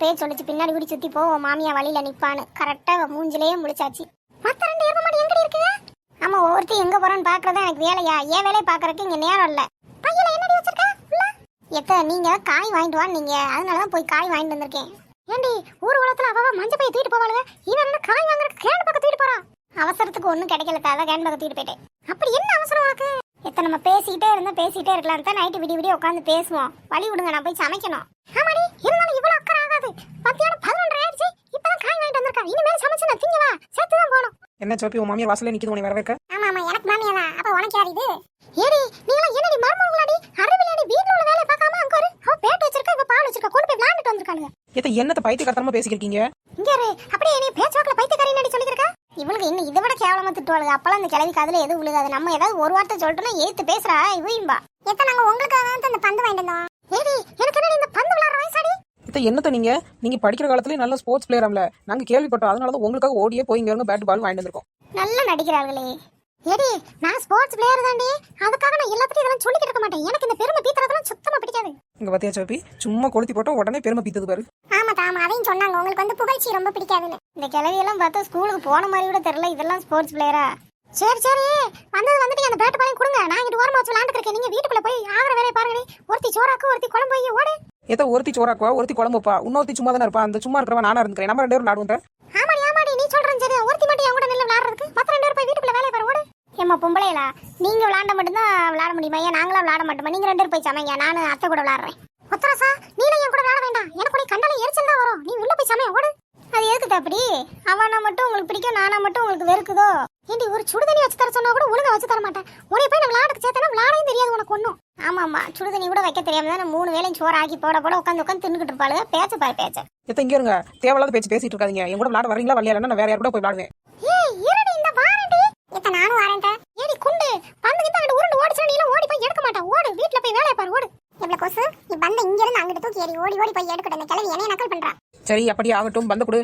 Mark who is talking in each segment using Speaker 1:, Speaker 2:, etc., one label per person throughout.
Speaker 1: அப்பயே சொல்லிச்சு பின்னாடி கூடி சுத்தி போ மாமியா வழியில நிப்பான்னு. கரெக்டா மூஞ்சிலேயே முடிச்சாச்சு. மத்த 2 எருமை மாடு எங்கடி இருக்குங்க? ஆமா, ஒருத்தி எங்க போறேன்னு பாக்குறதா எனக்கு வேலையா? ஏன் வேலையை பாக்குறதுக்கு இங்க நேரம் இல்ல. பையில என்னடி வச்சிருக்க? எத்த நீங்க காய் வாங்கிட்டு வா, நீங்க அதனாலதான் போய் காய் வாங்கிட்டு வந்திருக்கேன். ஏண்டி ஊர் உலகத்துல அவ மஞ்சள் பைய தூக்கிட்டு போவாளுங்க, இவன் என்ன காய் வாங்குறதுக்கு கேன் பக்கம் தூக்கிட்டு போறான்? அவசரத்துக்கு ஒண்ணும் கிடைக்கல, அதான் கேன் பக்கம் தூக்கிட்டு போயிட்டேன். அப்படி என்ன அவசரம் உனக்கு? எத்த நம்ம பேசிக்கிட்டே இருக்கலாம் தான் நைட்டு விடிய உட்காந்து பேசுவோம். வழி விடுங்க, நான் போய் சமைக்கணும். ஆமாடி, இருந்தாலும் இவ்வளவு அக்கறை ஆகாது. மத்தியானம் 11:30 ஆயிடுச்சு, இப்பதான் காய் வாங்கிட்டு வந்திருக்கா. இனிமேல் சமைச்சு நான் திங்கவா சேர்த்துதான் போகணும்.
Speaker 2: என்ன சோப்பி, உன் மாமியார் வாசல்ல நிக்குது உன்னை வரவேற்க?
Speaker 1: ஆமா ஆமா, எனக்கு மாமியா தான். அப்ப உனக்கு யார் இது? ஏடி நீங்களா என்னடி மர்மங்களாடி? அறிவில்லாடி வீட்ல உள்ள வேலைய பார்க்காம அங்க ஒரு அவ பேட் வச்சிருக்கா, இவ பால் வச்சிருக்கா, கொண்டு போய் விளையாண்டுட்டு வந்திருக்காங்க.
Speaker 2: ஏத்த என்னத்த பைத்தியக்காரத்தனமா பேசிக்கிறீங்க?
Speaker 1: இங்க இரு, அப்படியே நீ பேச்சுவாக்குல பைத்தியக்காரி நடி சொல்லிருக்கா. இவளுக்கு இன்னும் இதை விட கேவலமா திட்டுவாளுங்க. அப்பலாம் அந்த கிழவி காதுல எதுவும் விழுகாது. நம்ம ஏதாவது ஒரு வார்த்தை சொல்லிட்டோம்னா ஏத்து பேசுறா இவயும்பா. எத்த நாங்க உங்களுக்காக தான் அந்த பந்து வாங்கிட்டு வந்தோம். ஏடி எனக்கு என்ன இந்த பந்து விளையாடுற வயசாடி?
Speaker 2: ஏத்த என்னத்த நீங்க படிக்கிற காலத்துல நல்ல ஸ்போர்ட்ஸ் பிளேயர்ல நாங்க கேள்விப்பட்டோம். அதனாலதான் உங்களுக்காக ஓடியே போய் இங்க பேட் பால் வாங்கிட்டு வந்திருக்கோம்.
Speaker 1: நல்லா நடிக்கிறார்களே. ஏடி நான் ஸ்போர்ட்ஸ் பிளேயர் தாண்டி, அதுக்காக நான் எல்லாத்தையும் இதெல்லாம் சொல்லிக்கிட்டு இருக்க மாட்டேன். எனக்கு இந்த பெருமை பீத்துறதெல்லாம் சுத்தமா பிடிக்காது.
Speaker 2: இங்க பாத்தியா சோப்பி, சும்மா கொளுத்தி போட்டோம் உடனே பெருமை பீத்துது பாரு.
Speaker 1: ஆமா தாமா, அதையும் சொன்னாங்க உங்களுக்கு வந்து புகழ்ச்சி ரொம்ப பிடிக்காதுன்னு. இந்த கிழவியெல்லாம் பார்த்தா ஸ்கூலுக்கு போன மாதிரி கூட தெரியல, இதெல்லாம் ஸ்போர்ட்ஸ் பிளேயரா? சரி சரி, வந்துட்டு அந்த பேட் பாலையும் கொடுங்க, நான் இங்க ஓரமா வச்சு விளையாண்டு இருக்கேன். நீங்க வீட்டுக்குள்ள போய் ஆகிற வேலையை பாருங்க. ஒருத்தி சோறாக்கு, ஒருத்தி குழம்பு போய் ஓடு.
Speaker 2: ஏத்த ஒருத்தி சோறாக்குவா, ஒருத்தி குழம்புப்பா, இன்னொருத்தி சும்மா தானே இருப்பா. அந்த சும்மா இருக்கிறவன் நானா இருந்துக்கிறேன். நம்ம 2 பேரும் விளையாடுவோம்.
Speaker 1: ஆமாடி நீ சொல்றேன் சரி. ஒருத்தி மட்டும் என் கூட நின்று விளையாடுறதுக்கு, மத்த 2 பேரும் போய் வீட்டுக்குள்ள வேலையை பாரு ஓடு. ஏமா பொம்பளைகளா, நீங்க விளையாண்ட மட்டும்தான் விளையாட முடியுமா? ஏன் நாங்களா விளையாட மாட்டோமா? நீங்க 2 பேரும் போய் சமைங்க, நானும் அத்தை கூட விளையாடுறேன். ஒத்தரசா நீல என் கூட விளையாட வேண்டாம், எனக்கு கூட கண்டால எரிச்சல் தான் வரும். நீ உள்ள போய் சமைய ஓடு. அது எதுக்கு அப்படி? அவனா மட்டும் உங்களுக்கு பிடிக்கும், நானா மட்டும் உங்களுக்கு வெறுக்குதோ? ஏண்டி ஒரு சுடுதண்ணி வச்சு தர சொன்னா கூட ஒழுங்கா வச்சு தர மாட்டேன். உன்னை போய் நான் விளையாடுக்கு சேர்த்தனா விளையாடையும் தெரியாது உனக்கு ஒன்றும். ஆமா, சுடுதண்ணி கூட வைக்க தெரியாம தான் 3 வேளையும் சோறு ஆக்கி போட உட்காந்து தின்னுக்கிட்டு இருப்பாளுங்க. பேச்ச பாரு பேச்ச.
Speaker 2: ஏத்த இங்க இருங்க, தேவையில்லாத பேச்சு பேசிட்டு இருக்காதீங்க. என் கூட விளையாட வரீங்களா வரலையா? நான் வேற யார் கூட போய் விளையாடுவேன்.
Speaker 1: ஏய் இருடி, இந்த வாரண்டி. ஏத்த நானும் வரேன்டா. ஏடி குண்டு பந்து கிட்ட அங்க உருண்டு ஓடிச்சா நீ ஓடி போய் எடுக்க மாட்டா. ஓடு, வீட்ல போய் வேலைய பாரு ஓடு. எவ்வளவு கொசு, நீ பந்த இங்க இருந்து அங்கிட்டு தூக்கி ஏறி ஓடி போய் எடுக்கட்ட. இந்த கிழவி என்னைய நக்கல் பண்றா.
Speaker 2: சரி அப்படியே ஆகட்டும், பந்த கொடு.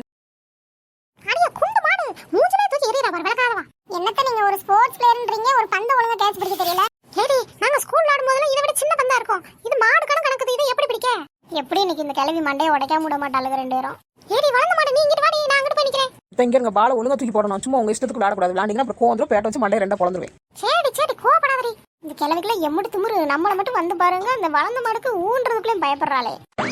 Speaker 1: அடியே குண்டு மாடு, மூஞ்சிலே தூக்கி எறியறா பாரு விளக்காதவா. என்னத்த நீங்க ஒரு ஸ்போர்ட்ஸ் பிளேயர்ன்றீங்க, ஒரு பந்த ஒழுங்கா கேட்ச் பிடிக்க தெரியல. ஏடி நாங்க ஸ்கூல் விளையாடும் போதெல்லாம் இதை விட சின்ன பந்தா இருக்கும். இது மாடு கணக்குது, இதை எப்படி பிடிக்க? எப்படி இன்னைக்கு இந்த கிழவி மண்டையை உடைக்காம விட மாட்டாளுங்க 2 பேரும். ஏடி வளர்ந்த மாடு, நீ இங்கிட்டு வாடி, நான் அங்கிட்டு போய் நிக்கிறேன்.
Speaker 2: இங்க இருங்க, பால ஒழுங்கா தூக்கி போடணும். சும்மா உங்க இஷ்டத்துக்கு விளையாடக்கூடாது. விளையாண்டிங்கன்னா அப்புறம் கோவம் பேட்ட வச்சு மண்டையை 2 பொளந்துருவேன்.
Speaker 1: சரி கோவப்படாதடி. இந்த கிழவிக்குள்ள எம்முடு திமுரு. நம்மள மட்டும் வந்து பாருங்க, அந்த வளர்ந்த மாடுக்கு ஊன்றதுக்குள்ளேயும் பயப்படுறாளே.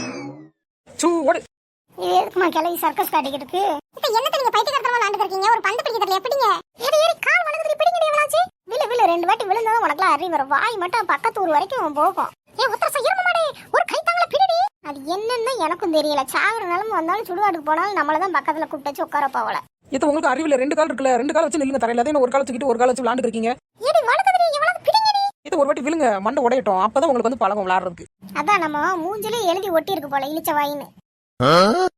Speaker 2: ஓடு.
Speaker 1: இது எதுக்குமா கிழவி சர்க்கஸ் காட்டிக்கிட்டு? இப்ப என்னத்த நீங்க பைத்தியக்காரத்தனமா விளையாண்டு இருக்கீங்க? ஒரு பந்து பிடிக்க தெரியல எப்படிங்க? ஏடி கால் வலதுக்கு பிடிங்கடி எவளாச்சு. விழு 2 வாட்டி விழுந்தா உனக்குலாம் அறிவு வரும். வாய் மட்டும் பக்கத்து ஊர் வரைக்கும் போகும். ஏ உத்தரச இரும மாடே, ஒரு கைத்தாங்கள பிடிடி. அது என்னன்னு எனக்கும் தெரியல. சாகுற நிலம வந்தாலும் சுடுகாட்டுக்கு போனாலும் நம்மள தான் பக்கத்துல கூப்பிட்டு வச்சு உட்கார போவல.
Speaker 2: இது உங்களுக்கு அறிவில்ல. 2 கால் இருக்குல்ல, 2 கால் வச்சு நில்லுங்க தரையில. அதே ஒரு கால் தூக்கிட்டு ஒரு கால் வச்சு விளையாண்டு இருக்கீங்க.
Speaker 1: ஏடி வலதுக்கு எவளாவது பிடிங்கடி.
Speaker 2: இது ஒரு வாட்டி விழுங்க, மண்டை உடையட்டும். அப்பதான் உங்களுக்கு வந்து பழகம் விளையாடுறதுக்கு.
Speaker 1: அதான் நம்ம மூஞ்சிலே எழுதி ஒட்டி இருக்கு போல இழிச்ச வாயின்னு.